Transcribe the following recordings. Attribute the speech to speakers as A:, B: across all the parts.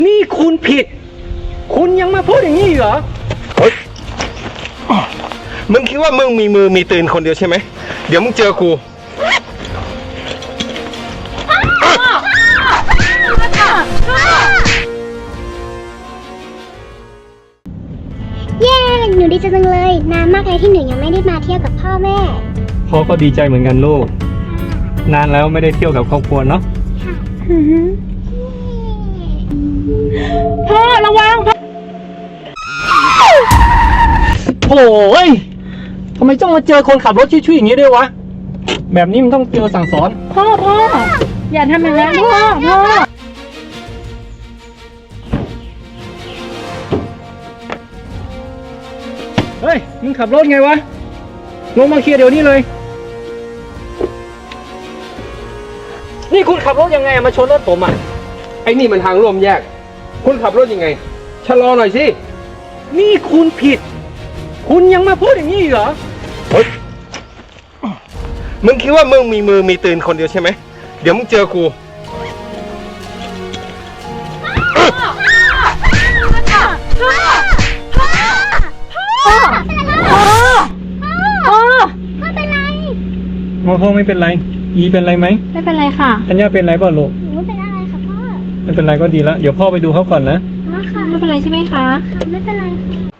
A: นี่คุณผิดคุณยังมาพูดอย่างนี้เหรอเฮ้ย
B: มึงคิดว่ามึงมีมือมีตีนคนเดียวใช่ไหมเดี๋ยวมึงเจอกู
C: เย้หนูดีใจจังเลยนานมากเลยที่หนูยังไม่ได้มาเที่ยวกับพ่อแม่
A: พ่อก็ดีใจเหมือนกันลูกนานแล้วไม่ได้เที่ยวกับครอบครัวเนาะ
C: พ่อระวัง
A: โอ้ยทำไมต้องมาเจอคนขับรถช่วยๆอย่างนี้ด้วยวะแบบนี้มันต้องเจอสั่งสอน
C: พ่ออย่าทำอย่างนั้นพ่อ
A: เฮ้ยมึงขับรถไงวะลงมาเคลียร์เดี๋ยวนี้เลยนี่คุณขับรถยังไงมาชนรถผมอ่ะ
B: ไอ้นี่มันทางร่วมแยกคุณขับรถยังไงชะลอหน่อยสิ
A: นี่คุณผิดคุณยังมาพูดอย่างนี้เหรอ
B: เฮ้ยมึงคิดว่ามึงมีมือมีตีนคนเดียวใช่ไหมเดี๋ยวมึงเจอกู
A: พ่อไม่เป็นไรอีเป็นไรไหม
C: ไม่เป็นไรค่ะ
A: ธัญญาเป็นไรเปล่าลูก
C: ไม่เป็นอะไรค่ะพ่อ
A: ไม่เป็นไรก็ดีแล้วเดี๋ยวพ่อไปดูเขาก่อนนะ
C: ค่ะไม่เป็นไรใช่ไหมคะไม่เป็นไร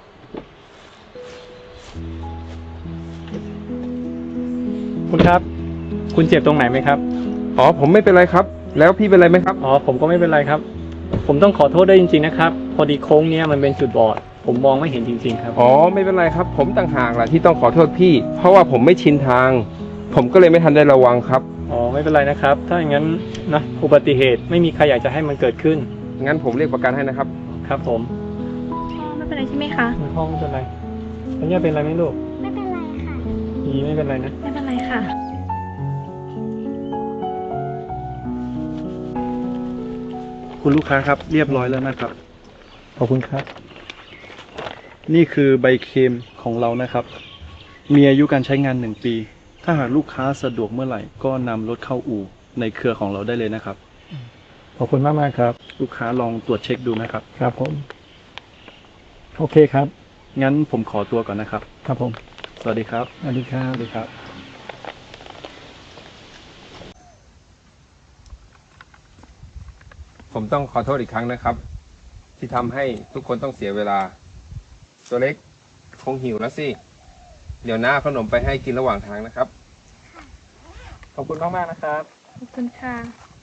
A: คุณครับคุณเจ็บตรงไหนไหมครับ
B: อ๋อผมไม่เป็นไรครับแล้วพี่เป็นไรไหมครับ
A: อ๋อผมก็ไม่เป็นไรครับผมต้องขอโทษได้จริงๆนะครับพอดีโค้งเนี้ยมันเป็นจุดบอดผมมองไม่เห็นจริงๆครับ
B: อ๋อไม่เป็นไรครับผมต่างหากแหละที่ต้องขอโทษพี่เพราะว่าผมไม่ชินทางผมก็เลยไม่ทันได้ระวังครับ
A: อ๋อไม่เป็นไรนะครับถ้าอย่างนั้นนะอุบัติเหตุไม่มีใครอยากจะให้มันเกิดขึ้น
B: งั้นผมเรียกประกันให้นะครับ
A: ครับผม
C: ไม่เป็นไรใช่ไหมคะ
A: พ่อไม่เป็นไรธัญญาเป็นไรไหมลูก
C: ไม่เป็นไรค่ะ
A: อีไม่เป็นไรนะ
C: ไม่เป็นไรค่ะ
D: คุณลูกค้าครับเรียบร้อยแล้วนะครับ
A: ขอบคุณครับ
D: นี่คือใบเคลมของเรานะครับมีอายุการใช้งาน1 ปีถ้าหากลูกค้าสะดวกเมื่อไหร่ก็นำรถเข้าอู่ในเครือของเราได้เลยนะครับ
A: ขอบคุณมากครับ
D: ลูกค้าลองตรวจเช็คดูนะครับ
A: ครับผมโอเคครับ
D: งั้นผมขอตัวก่อนนะครับ
A: ครับผม
D: สวัสดีครับ
A: สวัสดีครับ
D: สวัสดีครับ
B: ผมต้องขอโทษอีกครั้งนะครับที่ทำให้ทุกคนต้องเสียเวลาตัวเล็กคงหิวแล้วสิเดี๋ยวหน้าขนมไปให้กินระหว่างทางนะครับ
A: ขอบคุณมากๆนะครับ
C: ขอบคุณค่ะ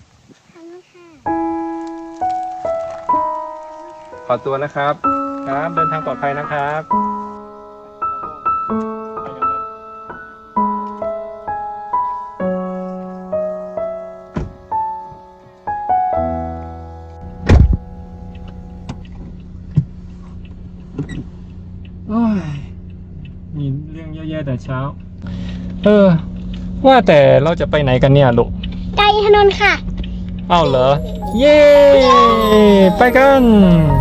B: ขอตัวนะครับ
A: ครับเดินทางปลอดภัยนะครับโอ้ยมีเรื่องแย่ๆแต่เช้าว่าแต่เราจะไปไหนกันเนี่ยลูก
C: ไกลถนนค่ะ
A: อ้าวเหรอเย้ไปกัน